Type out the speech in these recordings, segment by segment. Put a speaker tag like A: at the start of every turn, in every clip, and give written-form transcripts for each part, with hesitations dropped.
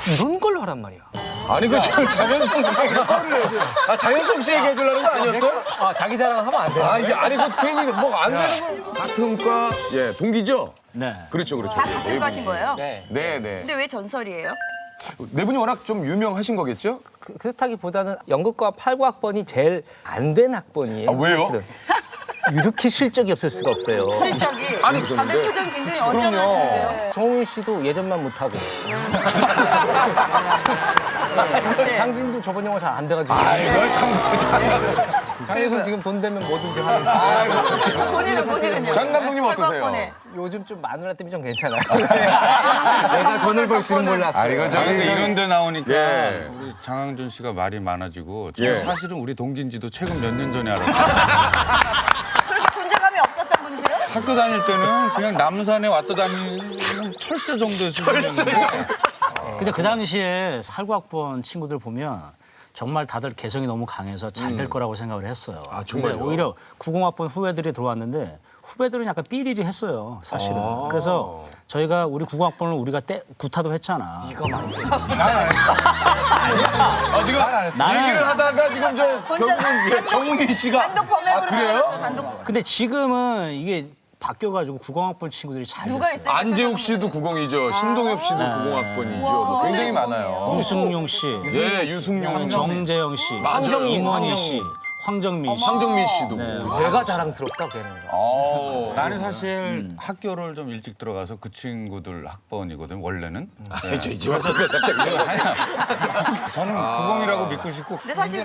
A: 이런 걸로 하란 말이야.
B: 아니 그 지금 장현성 씨에게 장현성 씨에게 해주려는 거 아니었어?
A: 아, 자기 자랑하면 안 돼.
B: 아 이게 아니 그 괜히 뭐 안 되는 거. 같은 과 예 동기죠?
C: 네.
B: 그렇죠 그렇죠.
D: 다 같은 과신 거예요?
A: 네.
B: 네네.
D: 근데 왜 전설이에요?
B: 네 분이 워낙 좀 유명하신 거겠죠?
A: 그렇다기보다는 연극과 8구학번이 제일 안 된 학번이에요.
B: 아, 왜요?
A: 사실은. 이렇게 실적이 없을 수가 없어요.
D: 실적이
B: 아니,
D: 다들 표정 굉장히 언짢으시는데요.
A: 정훈 씨도 예전만 못하고. 장진도 저번 영화 잘 안 돼가지고.
B: 아이고 참.
A: 장진은 지금 돈 되면 뭐든지 하는.
D: 본인은요?
B: 장 감독님 어떠세요?
D: 번
A: 요즘 좀 마누라 때문에 좀 괜찮아요. 내가 돈을 벌 줄은 몰랐어요.
B: 아, 이거
E: 근데 이런 데 나오니까
B: 예.
E: 우리 장항준 씨가 말이 많아지고
B: 예.
E: 저는 사실은 우리 동기인지도 최근 몇 년 전에 알았어요.
D: 그렇게 존재감이 없었던 분이세요?
E: 학교 다닐 때는 그냥 남산에 왔다 다니는 철새 정도의 수준이었는데
C: 근데 그 당시에 8구학번 친구들 보면 정말 다들 개성이 너무 강해서 잘 될 거라고 생각을 했어요.
B: 아, 정말요?
C: 근데 오히려 90학번 후배들이 들어왔는데 후배들은 약간 삐리리 했어요, 사실은. 그래서 저희가 우리 90학번을 우리가 구타도 했잖아.
A: 이거 많이 돼.
B: 지금 얘기를 하다가 지금 저 결국은 정훈이 씨가
D: 단독 범행으로
B: 그래요?
D: 나왔어, 단독.
C: 근데 지금은 이게 바뀌어가지고 90학번 친구들이 잘
D: 누가
C: 됐어요.
D: 있어요?
B: 안재욱 씨도 90이죠. 신동엽 씨도 90학번이죠. 굉장히 많아요.
C: 유승용 씨,
B: 예, 유승용,
C: 정재영 씨,
B: 맞아요.
C: 임원희 씨, 황정민 씨.
B: 황정민 씨도.
A: 내가 자랑스럽다, 걔는.
E: 나는 사실 학교를 좀 일찍 들어가서 그 친구들 학번이거든 원래는. 네.
B: 저 이제 왔을 거 갑자기.
E: 아니야. 저는 90이라고 믿고 싶고
D: 근데 사실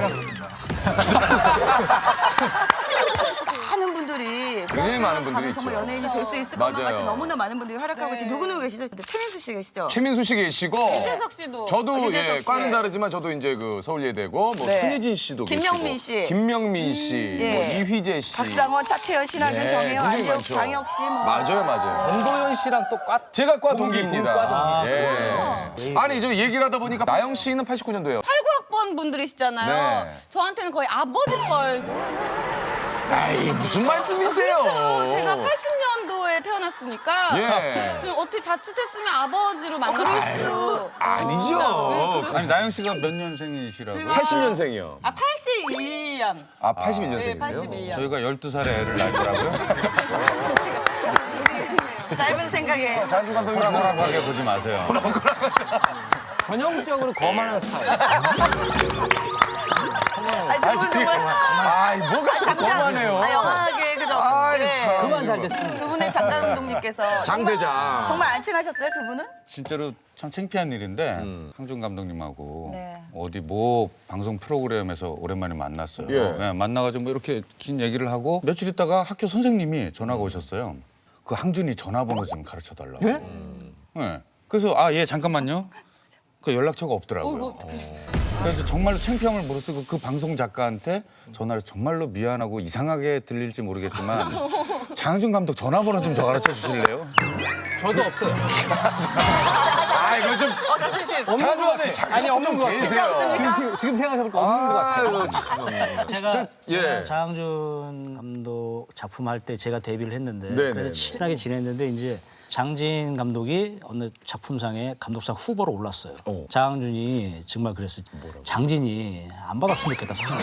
D: 많은 분들이
B: 굉장히 많은 분들이
D: 정말
B: 있죠.
D: 연예인이 될 수 있을 것만
B: 맞아요.
D: 같이 너무나 많은 분들이 활약하고 계시죠. 누구누구 계시죠? 최민수 씨 계시죠?
B: 최민수 씨 계시고
D: 유재석 씨도.
B: 저도
D: 유재석
B: 예,
D: 씨.
B: 과는 다르지만 저도 이제 그 서울예대고 뭐
D: 네.
B: 손예진 씨도
D: 김명민
B: 계시고
D: 씨.
B: 김명민 씨,
D: 예.
B: 뭐 이휘재 씨.
D: 박상원, 차태현, 신한준,
B: 네,
D: 정혜영,
B: 굉장히
D: 안재욱,
B: 많죠.
D: 장혁 씨 뭐.
B: 맞아요.
A: 전도연 씨랑 또
B: 제가 과
A: 동기,
B: 동기입니다.
A: 과 동기.
B: 예. 아니 저 얘기를 하다 보니까 나영 씨는 89년도예요.
F: 89학번 분들이시잖아요.
B: 네.
F: 저한테는 거의 아버지 뻘.
B: 아이 무슨 말씀이세요?
F: 제가 80년도에 태어났으니까
B: 예.
F: 지금 어떻게 자칫했으면 아버지로 만날 수.
B: 아니죠.
E: 아니 나영 씨가 몇 년생이시라고요?
B: 80년생이요.
F: 아 81년.
B: 아
F: 네,
B: 81년생이세요?
F: 81년.
E: 저희가 12살에 애를 낳더라고요.
D: 짧은 생각에.
B: 장준 감독님
E: 호락호락하게 보지 마세요.
A: 전형적으로 거만한 스타일.
B: 아이 뭐가 좀 거만해요.
D: 영화계 그죠?
B: 아이,
D: 네.
B: 참.
A: 그만 잘 됐습니다.
D: 두 분의 장 감독님께서
B: 장대장.
D: 정말 안 친하셨어요, 두 분은?
E: 진짜로 참 창피한 일인데 항준 감독님하고
D: 네.
E: 어디 뭐 방송 프로그램에서 오랜만에 만났어요.
B: 예.
E: 네, 만나가지고 뭐 이렇게 긴 얘기를 하고 며칠 있다가 학교 선생님이 전화가 오셨어요. 그 항준이 전화번호 좀 가르쳐 달라고. 네? 그래서 아 예 잠깐만요. 그 연락처가 없더라고요. 그래서 정말로 창피함을 무릅쓰고 그 방송 작가한테 전화를 정말로 미안하고 이상하게 들릴지 모르겠지만 장항준 감독 전화번호 좀 더 가르쳐 주실래요?
A: 저도 없어요.
B: 아 이거 좀
A: 없는 것 같아. 아니, 없는 것 같아. 지금 생각해보니까 없는 것 같아요.
C: 제가
B: 예.
C: 장항준 감독 작품 할 때 제가 데뷔를 했는데
B: 네네네.
C: 그래서 친하게 지냈는데 이제 장진 감독이 어느 작품상에 감독상 후보로 올랐어요. 장항준이 정말 그랬어요. 장진이 안 받았으면 좋겠다 상을.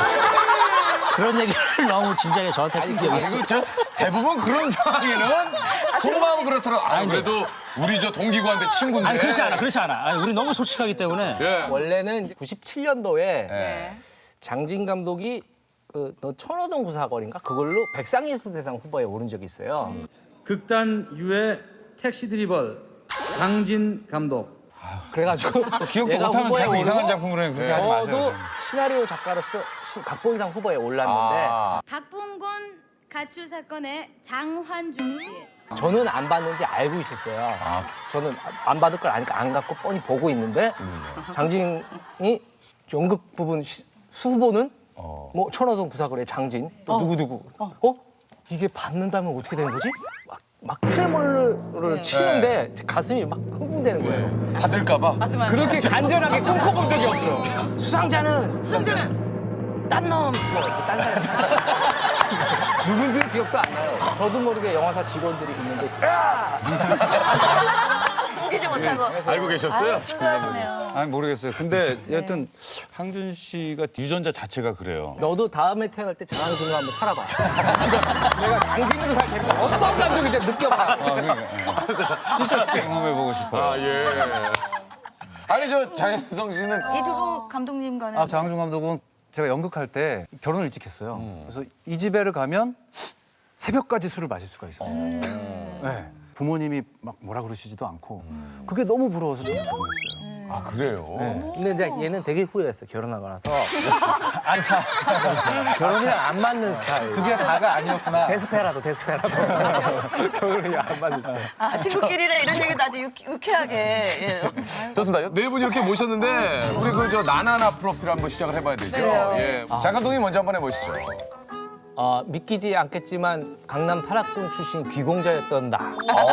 C: 그런 얘기를 너무 진지하게 저한테 한 기억이 있어요.
B: 이거 저 대부분 그런 상황에는 속마음은 그렇더라고. 아 그래도 우리 저 동기구한테 친구인데.
C: 아니 그렇지 않아. 아니, 우리 너무 솔직하기 때문에.
B: 예.
A: 원래는 97년도에
B: 예.
A: 장진 감독이 너 천호동 구사거리인가 그걸로 백상예술대상 후보에 오른 적이 있어요.
G: 극단 유해 택시 드리벌 강진 감독.
A: 그래가지고
E: 기억도
A: 얘가
E: 못하면
A: 후보에
E: 자꾸 이상한
A: 오르고
E: 작품을 해. 그렇게 하지 마세요.
A: 저도 시나리오 작가로서 각본상 후보에 올랐는데
H: 박봉곤 가출 사건의 장환중 씨.
A: 저는 안 받는지 알고 있었어요. 저는 안 받을 걸 아니까 안 갖고 뻔히 보고 있는데 장진이 연극 부분 수후보는 뭐 천호동 구사거리의 장진 또 누구누구 이게 받는다면 어떻게 되는 거지? 막 트레몰로를 치는데 가슴이 막 흥분되는 거예요.
B: 받을까봐.
A: 그렇게 간절하게 꿈꿔본 적이 없어. 수상자는 딴 놈, 뭐 이렇게 딴 사람. 누군지는 기억도 안 나요. 저도 모르게 영화사 직원들이 있는데
D: 숨기지 못하고.
B: 알고 계셨어요?
D: 순수하시네요.
E: 아니 모르겠어요. 근데 여하튼 항준 씨가 유전자 자체가 그래요.
A: 너도 다음에 태어날 때 장항준으로 한번 살아봐. 내가 장진으로 살 테니까 어떤 감정인지 느껴봐.
E: 진짜 경험해보고 싶어요.
B: 아, 예. 아니, 저 장혜성 씨는
D: 이 두 분 감독님과는
I: 장항준 감독은 제가 연극할 때 결혼을 일찍 했어요. 그래서 이 집에를 가면 새벽까지 술을 마실 수가 있었어요. 네. 부모님이 막 뭐라 그러시지도 않고 그게 너무 부러워서 저도 결혼했어요.
B: 아, 그래요?
A: 네. 근데 이제 얘는 되게 후회했어. 결혼하고 나서. 안차. 결혼이랑 안 맞는 스타일.
I: 그게 다가 아니었구나.
A: 데스페라도. 결혼이랑 안 맞는 스타일.
D: 친구끼리랑 이런 얘기도 아주 유쾌하게. 예.
B: 좋습니다. 네 분 이렇게 모셨는데 우리 그 저 나나나 프로필 한번 시작을 해봐야 되죠. 예. 장 감독님 먼저 한번 해보시죠.
A: 믿기지 않겠지만 강남 8학군 출신 귀공자였던 나.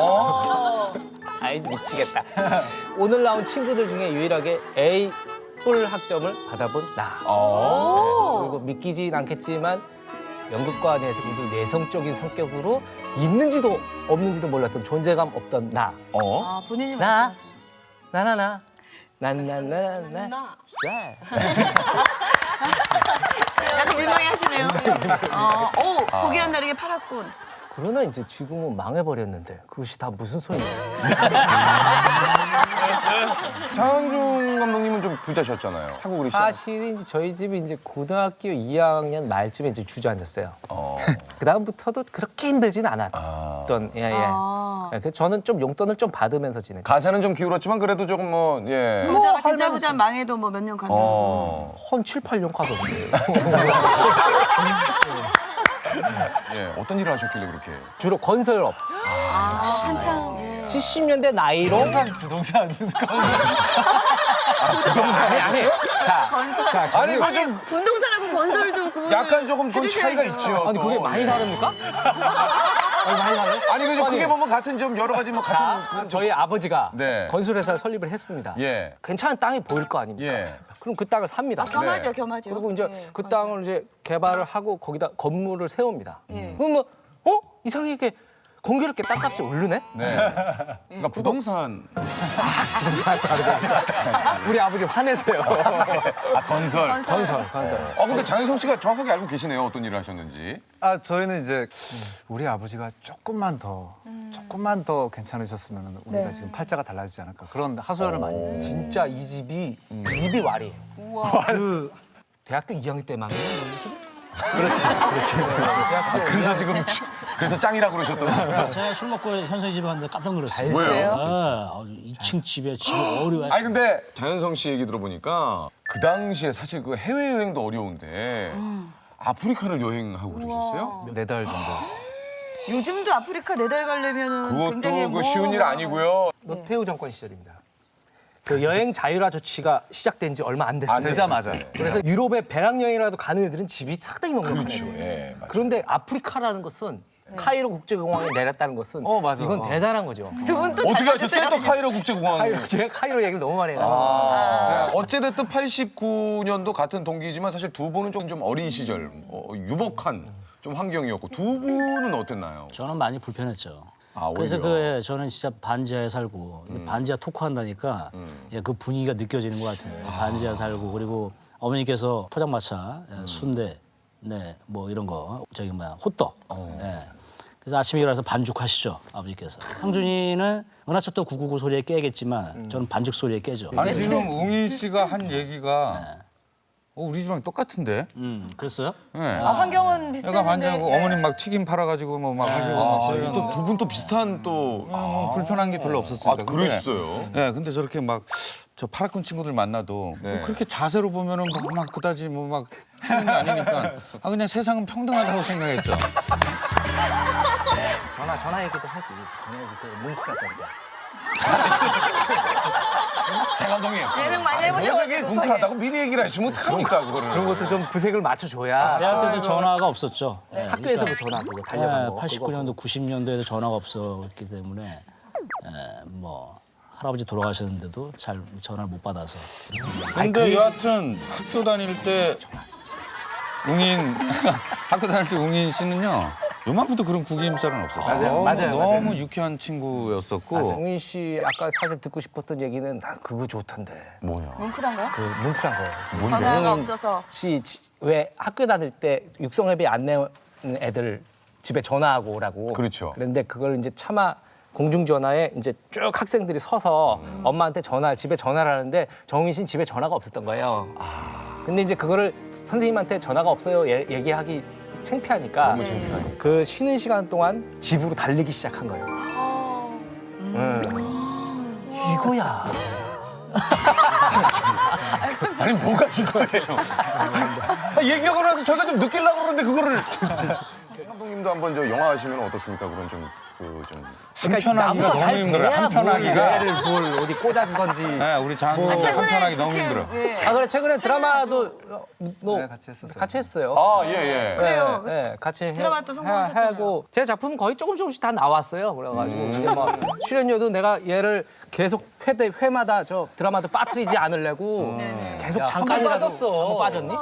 A: 아이 미치겠다. 오늘 나온 친구들 중에 유일하게 A 뿔 학점을 받아본 나. 네, 그리고 믿기지 않겠지만 연극관에서 굉장히 내성적인 성격으로 있는지도 없는지도 몰랐던 존재감 없던 나.
D: 아, 본인이
A: 나.
D: 말씀하시는.
A: 나나나나나.
D: 약간 민망해 하시네요. 오, 보기와는 다르게 팔았군.
A: 그러나 이제 지금은 망해버렸는데 그것이 다 무슨 소리예요?
B: 장항준 감독님은 좀 부자셨잖아요. 타국으로 시작.
A: 사실은 이제 저희 집이 이제 고등학교 2학년 말쯤에 이제 주저앉았어요. 그 다음부터도 그렇게 힘들진 않았던. 예. 그래서 저는 좀 용돈을 좀 받으면서 지냈죠.
B: 가사는 좀 기울었지만 그래도 조금 뭐 예.
D: 부자가 진짜 부자 망해도 뭐 몇 년 간다고.
A: 한 7, 8년 가던데.
B: 예. 어떤 일을 하셨길래 그렇게?
A: 주로 건설업.
D: 한창. 예.
A: 70년대 나이로.
I: 부동산.
A: 아니. 자,
B: 아니 이거 좀
D: 분동산하고 건설도 그분을
B: 약간 조금 그 차이가
D: 해주셔야죠.
B: 있죠.
A: 아니 그게
B: 또.
A: 많이 다릅니까? 아니 많이 다르요?
B: 아니 그죠 크게 보면 같은 좀 여러 가지 뭐 같은
A: 자, 저희 아버지가
B: 네.
A: 건설회사를 설립을 했습니다.
B: 예.
A: 괜찮은 땅이 보일 거 아닙니까?
B: 예.
A: 그럼 그 땅을 삽니다.
D: 겸하죠, 겸하죠.
A: 그리고 이제
D: 예,
A: 그
D: 맞아.
A: 땅을 이제 개발을 하고 거기다 건물을 세웁니다.
D: 예.
A: 그럼 이상하게 공교롭게 땅값이 오르네?
B: 네. 그러니까 부동산
A: 우리 아버지 화내세요.
B: 건설.
A: 건설.
B: 근데 장혜성 씨가 정확하게 알고 계시네요. 어떤 일을 하셨는지.
I: 저희는 이제 우리 아버지가 조금만 더 괜찮으셨으면 우리가 지금 팔자가 달라지지 않을까 그런 하소연을 많이 했어요.
A: 진짜 이 집이 와리예요. 그 대학교 2학년 때 망했나? 그렇지.
B: 그래서 지금 그래서 짱이라고 그러셨던.
C: 제가 술 먹고 현성이 집에 갔는데 깜짝 놀랐어요.
B: 왜요?
C: 2층 집에 집이 어려워요.
B: 아니 근데 장현성 씨 얘기 들어보니까 그 당시에 사실 그 해외 여행도 어려운데 아프리카를 여행하고 그러셨어요?
I: 4달 정도.
D: 요즘도 아프리카 4달 가려면은 굉장히
B: 그것도 그 쉬운 일 아니고요.
A: 노태우 정권 시절입니다. 그 여행 자율화 조치가 시작된 지 얼마 안 됐어요.
I: 되자마자.
A: 그래서 유럽에 배낭여행이라도 가는 애들은 집이 상당히 넉넉하죠.
B: 예, 맞아요.
A: 그런데 아프리카라는 것은 카이로 국제공항에 내렸다는 것은
I: 맞아.
A: 이건 대단한 거죠.
D: 두 분 또
B: 어떻게 하셨어요? 또 카이로 국제공항에.
A: 제가 카이로 얘기를 너무 많이 해요.
B: 어찌됐든 89년도 같은 동기지만 사실 두 분은 좀 어린 시절, 유복한 좀 환경이었고 두 분은 어땠나요?
C: 저는 많이 불편했죠.
B: 아,
C: 그래서
B: 오히려.
C: 저는 진짜 반지하에 살고 반지하 토크한다니까 그 분위기가 느껴지는 것 같아요. 반지하 살고 그리고 어머니께서 포장마차, 순대, 네, 뭐 이런 거 저기 호떡. 네. 그래서 아침에 일어나서 반죽하시죠 아버지께서. 상준이는 은하철도 999 소리에 깨겠지만 저는 반죽 소리에 깨죠.
E: 아니 지금 웅인 씨가 한 얘기가 우리 집랑 똑같은데?
C: 그랬어요?
E: 네.
D: 환경은
E: 약간
D: 비슷했는데.
E: 반지하고 어머님 막 튀김 팔아가지고 막 하시고 막
B: 또 두 분 또 비슷한 또.
E: 불편한 게 별로 없었으니까.
B: 그랬어요.
E: 네, 근데 저렇게 막 저 파라군 친구들 만나도
B: 네.
E: 뭐 그렇게 자세로 보면은 막 그다지 막 하는 게 아니니까 그냥 세상은 평등하다고 생각했죠.
A: 전화 얘기도 하지. 전화 얘기 뭉클했다니까.
B: 장 감독님.
D: 예능 많이 해보셔가지고.
B: 되게 궁금하다고 미리 얘기를 하시면 어떡합니까 그거를.
A: 그런 것도 좀 구색을 맞춰줘야
C: 대학 때도 전화가 없었죠. 네,
A: 학교에서도 전화 그거 달려간 거.
C: 89년도, 90년도에도 전화가 없었기 때문에 뭐 할아버지 돌아가셨는데도 잘 전화를 못 받아서.
E: 근데 여하튼 학교 다닐 때 웅인 씨는요 요만큼도 그런 구김살은 없었어요.
A: 맞아요.
E: 너무 유쾌한 친구였었고.
A: 정민 씨 아까 사실 듣고 싶었던 얘기는 나 그거 좋던데.
B: 뭐야?
D: 뭉클한 거요?
A: 그 뭉클한 거예요.
D: 전화가 없어서.
A: 왜 학교 다닐 때 육성회비 안 내는 애들 집에 전화하고 오라고.
B: 그렇죠.
A: 그런데 그걸 이제 차마 공중전화에 이제 쭉 학생들이 서서 엄마한테 집에 전화를 하는데 정민 씨는 집에 전화가 없었던 거예요. 근데 이제 그거를 선생님한테 전화가 없어요 얘기하기 창피하니까 그 쉬는 시간 동안 집으로 달리기 시작한 거예요. 이거야.
B: 아니 뭐가 이거예요? 얘기하고 나서 저희가 좀 느끼려고 그러는데 그거를. 감독님도 한번 저 영화 하시면 어떻습니까? 그런 좀
E: 한편하기가 너무 힘들어요. 한편하기가.
A: 애를 뭘 어디 꽂아주던지.
E: 네, 우리 장군이 한편하기 너무 힘들어.
A: 아 그래 최근에 드라마도 뭐
I: 네, 같이 했었어요.
A: 같이 했어요.
B: 아, 예.
D: 그래요.
A: 네, 같이
D: 드라마 또 성공하셨잖아요.
A: 하고 제 작품은 거의 조금씩 다 나왔어요. 그래가지고 이제 막 출연료도 내가 얘를 계속 회마다 저 드라마도 빠뜨리지 않으려고 계속 잠깐이라도 한번 빠졌니?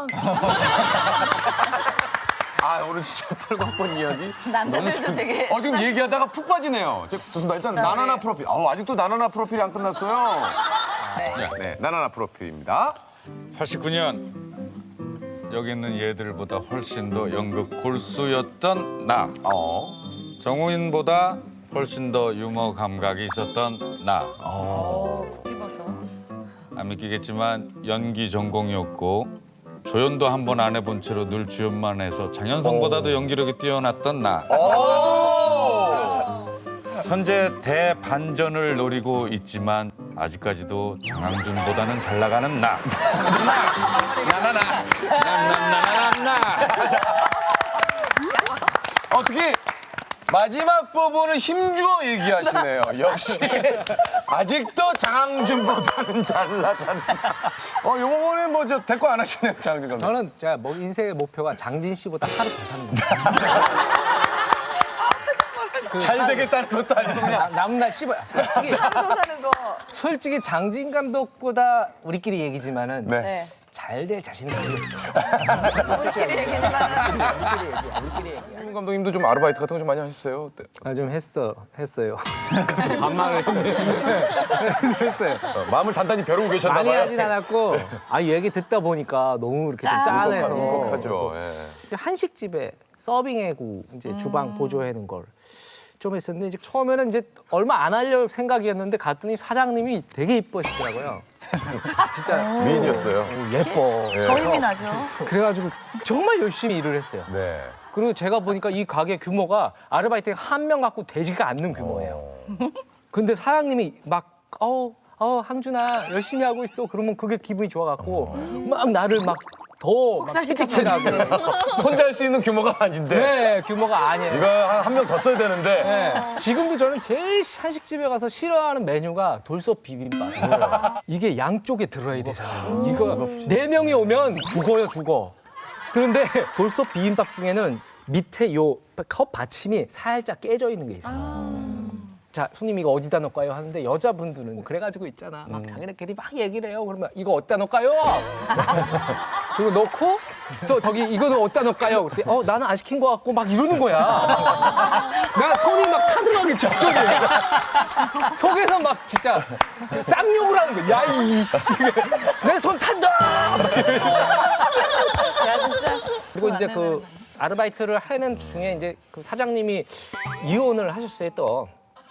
B: 아, 오늘 진짜 89번 이야기.
D: 남자들도 되게.
B: 지금 얘기하다가 푹 빠지네요. 좋습니다. 일단 나나나 프로필. 아직도 나나나 프로필이 안 끝났어요. 네, 나나나 프로필입니다.
E: 89년 여기 있는 얘들보다 훨씬 더 연극 골수였던 나. 정우인보다 훨씬 더 유머 감각이 있었던 나.
D: 집어서.
E: 안 믿기겠지만 연기 전공이었고 조연도 한 번 안 해본 채로 늘 주연만 해서 장현성보다도 연기력이 뛰어났던 나. 현재 대반전을 노리고 있지만 아직까지도 장항준보다는 잘 나가는 나. 나나나.
B: 어떻게 마지막 부분을 힘주어 얘기하시네요. 역시 아직도 장항준보다는 잘 나간다. 요 부분은 뭐 저 대꾸 안 하시네요, 장항준 감독님.
A: 저는 제가 뭐 인생의 목표가 장진 씨보다 하루 더 사는 거예요.
B: 잘 되겠다는 것도 아니고 그냥.
A: 남날 씹어요. 솔직히
D: 또 사는 거.
A: 솔직히 장진 감독보다 우리끼리 얘기지만은
B: 네.
A: 잘 될 자신은 거의 없어요.
D: 우리끼리 얘기지만.
A: 우리끼리 얘기야.
B: 김 감독님도 좀 아르바이트 같은 거 좀 많이 하셨어요? 네.
A: 아, 좀 했어요. 반말을 했어요.
B: 마음을 단단히 벼르고 계셨나
A: 많이
B: 봐요.
A: 하진 않았고, 얘기 듣다 보니까 너무 이렇게 좀 짠해서.
B: 행복하죠. 예.
A: 한식집에 서빙해고 이제 주방 보조해는 걸 좀 했었는데 이제 처음에는 이제 얼마 안 하려고 생각이었는데 갔더니 사장님이 되게 이뻐하시더라고요. 진짜
B: 미인이었어요.
A: 예뻐.
D: 더 힘이 나죠.
A: 그래가지고 정말 열심히 일을 했어요.
B: 네.
A: 그리고 제가 보니까 이 가게 규모가 아르바이트 한 명 갖고 되지가 않는 규모예요. 근데 사장님이 막 항준아 열심히 하고 있어. 그러면 그게 기분이 좋아갖고 막 나를 막 더 채찍질하고.
B: 혼자 할 수 있는 규모가 아닌데.
A: 네, 규모가 아니에요.
B: 이거 한 명 더 써야 되는데.
A: 네. 지금도 저는 제일 한식집에 가서 싫어하는 메뉴가 돌솥 비빔밥. 이게 양쪽에 들어야 되잖아요. 이거 4명이 오면 죽어. 그런데 돌솥 비빔밥 중에는 밑에 요 컵 받침이 살짝 깨져 있는 게 있어요. 자, 손님 이거 어디다 넣을까요? 하는데 여자분들은 그래가지고 있잖아. 막 자기네끼리 막 얘기를 해요. 그러면 이거 어디다 넣을까요? 그리고 넣고 또 저기 이거는 어디다 넣을까요? 그랬더니 나는 안 시킨 것 같고 막 이러는 거야. 나 손이 막 타들어가기 직전이야. 속에서 막 진짜 쌍욕을 하는 거야. 야, 내 손 탄다!
D: 야 진짜.
A: 그리고 이제 그 아르바이트를 하는 중에 이제 그 사장님이 이혼을 하셨어요 또.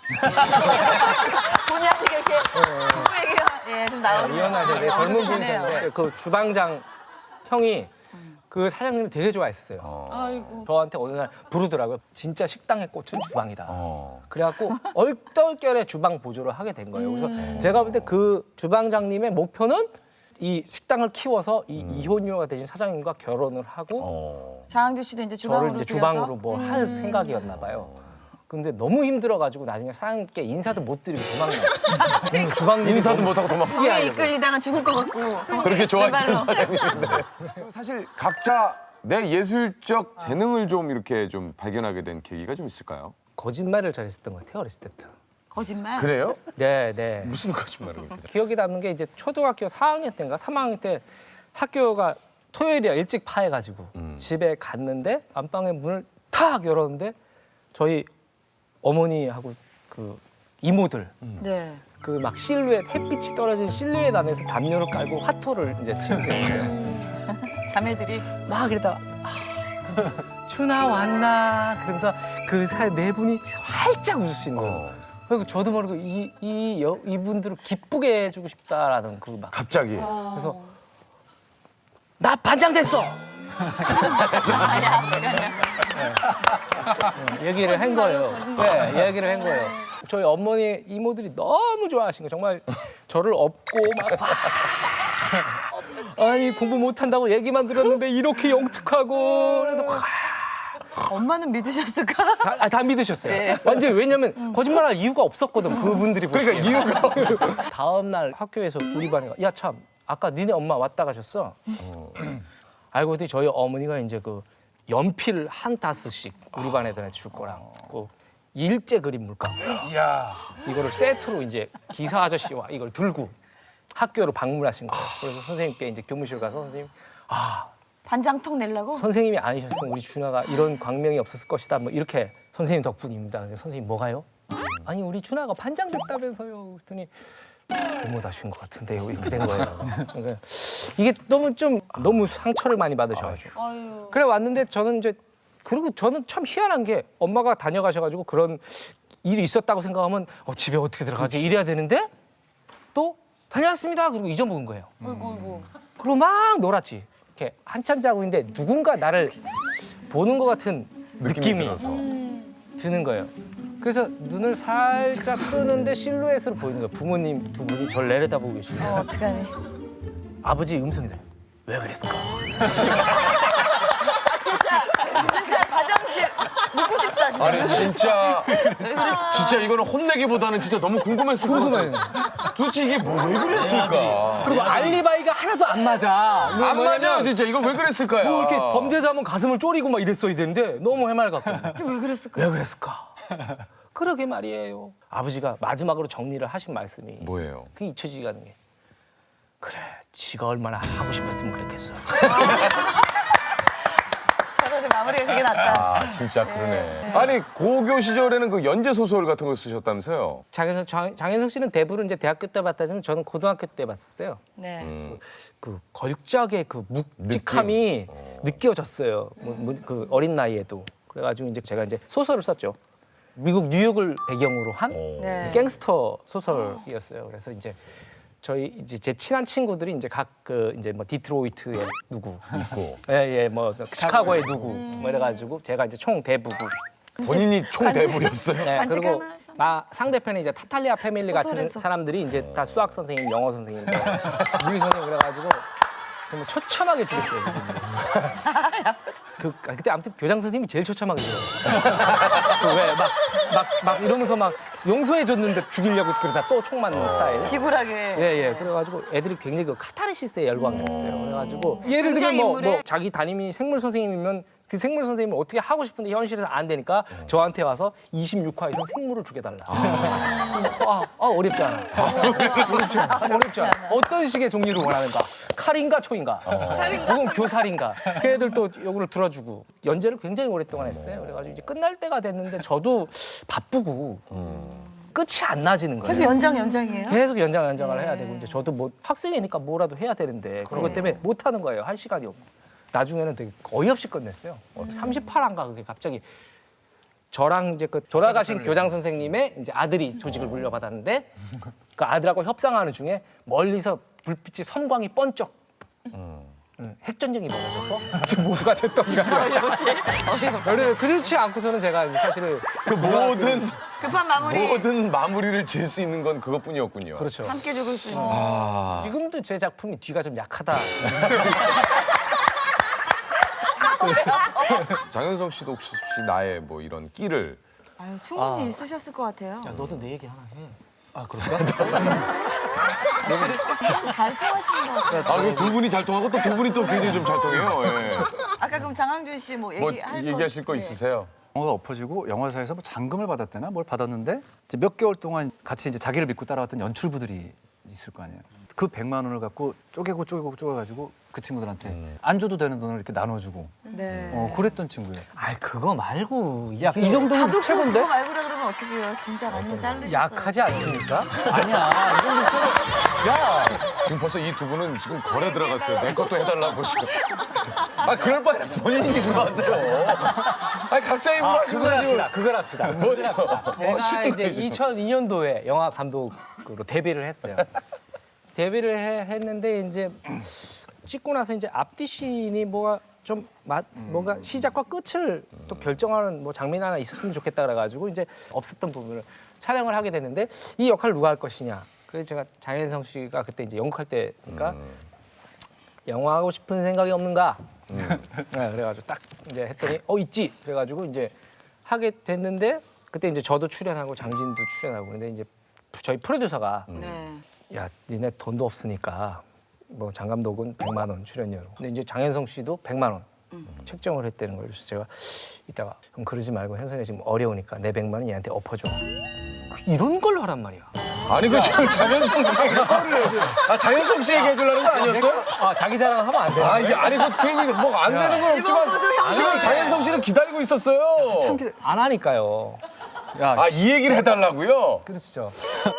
D: 본의아니게 이렇게 부부 얘기가 좀 나오네요.
A: 이혼하셨는데 젊은
D: 분이네요.
A: 분이셨는데 그 주방장 형이 그 사장님을 되게 좋아했었어요.
F: 아이고.
A: 저한테 어느 날 부르더라고요. 진짜 식당의 꽃은 주방이다. 그래갖고 얼떨결에 주방 보조를 하게 된 거예요. 그래서 제가 볼 때 그 주방장님의 목표는 이 식당을 키워서 이 이혼녀가 되신 사장님과 결혼을 하고
D: 장항준 씨도 이제 주방으로
A: 저를 이제 주방으로 뭐 할 생각이었나 봐요. 근데 너무 힘들어가지고 나중에 사장님께 인사도 못 드리고 도망가요. 주방
B: 인사도 못하고 도망.
D: 뒤에 이끌리다가 죽을 것 같고.
B: 그렇게 좋아했던
D: 왼발로.
B: 사장님인데. 사실 각자 내 예술적 재능을 좀 이렇게 좀 발견하게 된 계기가 좀 있을까요?
A: 거짓말을 잘했었던 것 같아요 어렸을 때부터.
D: 거짓말.
B: 그래요?
A: 네.
B: 무슨 거짓말을 그렇게.
A: 기억에 남는 게 이제 초등학교 4학년 때인가 3학년 때 학교가 토요일이야 일찍 파해가지고 집에 갔는데 안방에 문을 탁 탁 열었는데 저희 어머니하고 그 이모들
D: 네.
A: 그 막 실루엣 햇빛이 떨어진 실루엣 안에서 담요를 깔고 화토를 이제 치우게 됐어요.
D: 자매들이
A: 막 이러다가 춘아 왔나 그러면서 그 사이 네 분이 활짝 웃으시는 거예요. 그리고 저도 모르고 이분들을 기쁘게 해주고 싶다라는 그 막
B: 갑자기.
A: 그래서 나 반장 됐어. 얘기를 한 거예요. 네, 얘기를 한 거예요. 저희 어머니 이모들이 너무 좋아하신 거 정말 저를 업고 막 아니 공부 못한다고 얘기만 들었는데 이렇게 영특하고 그래서
D: 엄마는 믿으셨을까?
A: 다 믿으셨어요.
D: 네.
A: 완전 왜냐면 거짓말할 이유가 없었거든 그분들이 보시기에.
B: 그러니까 이유가
A: 다음 날 학교에서 우리 반에 야 참 아까 니네 엄마 왔다 가셨어. 알고 보니 저희 어머니가 이제 그 연필 한 다스씩 우리 반 애들한테 줄 거랑 그 일제 그림 물감 이거를 세트로 이제 기사 아저씨와 이걸 들고 학교로 방문하신 거예요. 그래서 선생님께 이제 교무실 가서 선생님
D: 반장턱 내려고?
A: 선생님이 아니셨으면 우리 준하가 이런 광명이 없었을 것이다. 뭐 이렇게 선생님 덕분입니다. 근데 선생님 뭐가요? 아니 우리 준하가 반장 됐다면서요. 그랬더니 잘못하신 것 같은데요. 이렇게 된 거예요. 그러니까 이게 너무 상처를 많이 받으셔가지고.
F: 아유.
A: 그래 왔는데 저는 이제 그리고 저는 참 희한한 게 엄마가 다녀가셔가지고 그런 일이 있었다고 생각하면 집에 어떻게 들어가지 이래야 되는데 또 다녀왔습니다. 그리고 잊어먹은 거예요.
F: 아이고.
A: 그리고 막 놀았지. 이렇게 한참 자고 있는데 누군가 나를 보는 것 같은 느낌이
B: 들어서.
A: 드는 거예요. 그래서 눈을 살짝 뜨는데 실루엣으로 보이는 거예요. 부모님 두 분이 저를 내려다보고 계시고
D: 어떡하니?
A: 아버지 음성이 들려요. 왜 그랬을까?
D: 진짜 가장집 묻고 싶다 진짜.
B: 아니 진짜 이거는 혼내기보다는 진짜 너무 궁금했을 것 같아. 도대체 이게 왜 그랬을까?
A: 그리고 알리바이가 하나도 안 맞아.
B: 안 맞아요 진짜. 이거 왜 그랬을까요?
A: 뭐 이렇게 범죄자면 가슴을 쪼리고 막 이랬어야 되는데 너무 해맑았고.
D: 왜 그랬을까?
A: 왜 그랬을까? 그러게 말이에요. 아버지가 마지막으로 정리를 하신 말씀이
B: 뭐예요?
A: 그 잊혀지지가 않는 게 그래 지가 얼마나 하고 싶었으면 그랬겠어.
D: 차라리 마무리가 그게 낫다.
B: 아 진짜 그러네. 아니 고교 시절에는 그 연재 소설 같은 거 쓰셨다면서요?
A: 장현석 씨는 대부분 이제 대학교 때 봤다지만 저는 고등학교 때 봤었어요.
D: 네.
A: 그 걸작의 그 묵직함이 느껴졌어요. 그 어린 나이에도. 그래가지고 이제 제가 이제 소설을 썼죠. 미국 뉴욕을 배경으로 한
D: 네.
A: 갱스터 소설이었어요. 그래서 이제 저희 이제 제 친한 친구들이 이제 각 그 이제 뭐 디트로이트에 누구 있고, 뭐 시카고에 누구, 뭐 이래가지고 제가 이제 총 대부고.
B: 본인이 총 대부였어요?
A: 네,
D: 간직
A: 그리고
D: 하나 하셨네.
A: 상대편에 이제 타탈리아 패밀리 같은
D: 소설에서.
A: 사람들이 이제 다 수학 선생님, 영어 선생님, 물리 선생님 그래가지고 정말 처참하게 죽였어요. 그때 아무튼 교장 선생님이 제일 처참하게 죽였어요. 왜막 이러면서 막 용서해 줬는데 죽이려고 그러다 또 총 맞는 스타일.
D: 비굴하게.
A: 예. 그래가지고 애들이 굉장히 그 카타르시스에 열광했어요. 그래가지고 예를 들면 뭐
D: 등장인물에?
A: 자기 담임이 생물 선생님이면 그 생물 선생님을 어떻게 하고 싶은데 현실에서 안 되니까 저한테 와서 26화 이상 생물을 죽여달라. 어렵지 않아. 어렵지 않아. 어떤 식의 종류를 원하는가? 칼인가 초인가? 혹은 교살인가? 걔들 또 요거를 들어주고 연재를 굉장히 오랫동안 했어요. 그래가지고 이제 끝날 때가 됐는데 저도 바쁘고 끝이 안 나지는 거예요.
D: 그래서 연장이에요?
A: 계속 연장을 해야 되고 이제 저도 뭐 학생이니까 뭐라도 해야 되는데 그것 때문에 못 하는 거예요. 할 시간이 없고. 나중에는 되게 어이없이 끝냈어요. 38화인가 그게 갑자기 저랑 이제 그 돌아가신 교장 선생님의 이제 아들이 조직을 물려받았는데 그 아들하고 협상하는 중에 멀리서 불빛이 선광이 번쩍 핵전쟁이 벌어져서 지금 모두가 제 떡이가 그렇지 않고서는 제가 이제 사실은
B: 그 모든
D: 급한 마무리.
B: 마무리를 지을 수 있는 건 그것뿐이었군요.
A: 그렇죠.
D: 함께 죽을 수 있는.
A: 지금도 제 작품이 뒤가 좀 약하다.
B: 장현석 씨도 혹시 나의 뭐 이런 끼를
D: 아유, 충분히 있으셨을 것 같아요.
A: 야, 너도 내 얘기 하나 해.
D: 잘 통하시는 것 같아요.
B: 두 분이 잘 통하고 또 두 분이 또 굉장히 좀 잘 통해요. 예.
D: 아까 그럼 장항준 씨 뭐
B: 뭐
D: 얘기할 거
B: 얘기하실 거 있으세요?
I: 영화가 엎어지고 영화사에서 뭐 잔금을 받았대나 뭘 받았는데 이제 몇 개월 동안 같이 이제 자기를 믿고 따라왔던 연출부들이 있을 거 아니에요. 그 100만 원을 갖고 쪼개가지고 그 친구들한테 안 줘도 되는 돈을 이렇게 나눠주고
F: 네.
I: 그랬던 친구예요.
A: 아이 그거 말고 야 이 정도면
D: 가족
A: 최고인데?
D: 그거 말고라 그러면 어떡해요? 진짜 아니면 자르셨어요.
A: 약하지 않습니까? 아니야 이 정도 최고. 야
B: 지금 벌써 이 두 분은 지금 거래 들어갔어요. 내 것도 해달라고 지금. 아 그럴 바에는 본인이 들어가세요. 아 각자 입으로 하시고
A: 그걸 합시다.
B: 뭐죠?
A: 제가 이제 2002년도에 영화 감독으로 데뷔를 했어요. 데뷔를 했는데 이제 찍고 나서 이제 앞뒤 씬이 뭐가 좀 뭔가 시작과 끝을 또 결정하는 뭐 장면 하나 있었으면 좋겠다 그래가지고 이제 없었던 부분을 촬영을 하게 됐는데 이 역할을 누가 할 것이냐. 그래서 제가 장현성 씨가 그때 이제 연극할 때니까 영화 하고 싶은 생각이 없는가. 네, 그래가지고 딱 이제 했더니 있지. 그래가지고 이제 하게 됐는데 그때 이제 저도 출연하고 장진도 출연하고 근데 이제 저희 프로듀서가
D: 네.
A: 야 니네 돈도 없으니까 뭐 장 감독은 100만 원 출연료로 근데 이제 장현성 씨도 100만 원 책정을 했다는 거예요. 그래서 제가 이따가 형 그러지 말고 현성이 지금 어려우니까 내 100만 원 얘한테 엎어줘. 이런 걸 하란 말이야.
B: 아니 그 지금 장현성 씨 장현성 씨 얘기해 주려는 거 아니었어?
A: 자기 자랑 하면 안 돼.
B: 아 이게 아니 뭐안 되는 건 없지만 지금 장현성 씨는 기다리고 있었어요.
A: 안 하니까요.
B: 아 이 얘기를 해달라고요?
A: 그렇죠.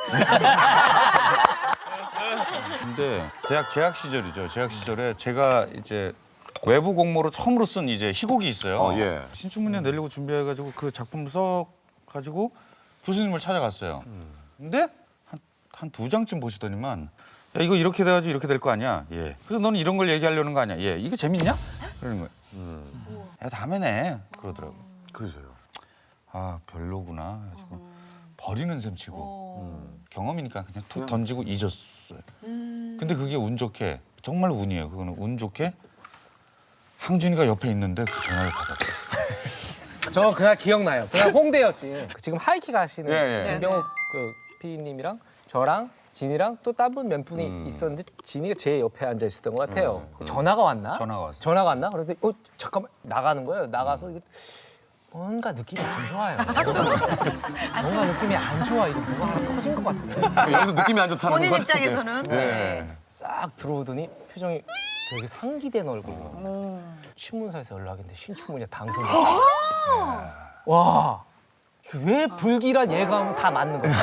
E: 근데 재학 시절이죠. 재학 시절에 제가 이제 외부 공모로 처음으로 쓴 이제 희곡이 있어요.
B: 예.
E: 신춘문예 내려고 준비해가지고 그 작품을 써가지고 교수님을 찾아갔어요. 근데 한 두 장쯤 보시더니만 야 이거 이렇게 돼가지고 이렇게 될 거 아니야. 예. 그래서 너는 이런 걸 얘기하려는 거 아니야. 예. 이게 재밌냐? 그러는 거예요. 야 다음에 내 그러더라고.
B: 그러세요.
E: 아 별로구나. 그래가지고 버리는 셈 치고 경험이니까 그냥 툭 던지고 잊었어요. 근데 그게 운 좋게 정말 운이에요. 그거는 운 좋게 항준이가 옆에 있는데 그 전화를 받았어요.
A: 저 그날 기억나요. 그날 홍대였지. 지금 하이킥 하시는
B: 예, 예.
A: 김병욱 그 PD님이랑 저랑 진이랑 또 다른 분 몇 분이 있었는데 진이가 제 옆에 앉아 있었던 것 같아요. 전화가 왔나?
E: 전화가 왔어요.
A: 전화가 왔나? 그래서 잠깐만 나가는 거예요. 나가서 이거 뭔가 느낌이 안 좋아요. 뭔가 느낌이 안 좋아. 이거 누가 하나 터진 것 같은데.
B: 여기서 느낌이 안 좋다는
D: 본인
B: 건
D: 입장에서는
B: 네.
A: 싹 들어오더니 표정이 되게 상기된 얼굴로 신문사에서 연락인데 신춘문예 당선자. 와, 왜 불길한 예감은 다 맞는 거야.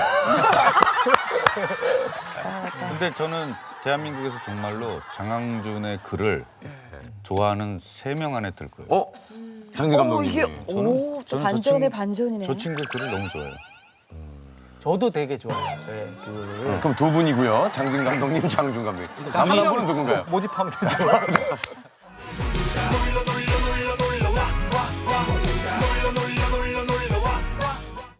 E: 근데 저는 대한민국에서 정말로 장항준의 글을 좋아하는 3명 안에 들 거예요.
B: 장진 감독님.
D: 이게 오, 저 반전의 반전이네.
E: 저 친구 글을 너무 좋아해요.
A: 저도 되게 좋아해요. 저의 그
B: 그럼 두 분이고요. 장진 감독님, 장준 감독님. 남은 한 분은 누군가요?
A: 모집하면 되죠.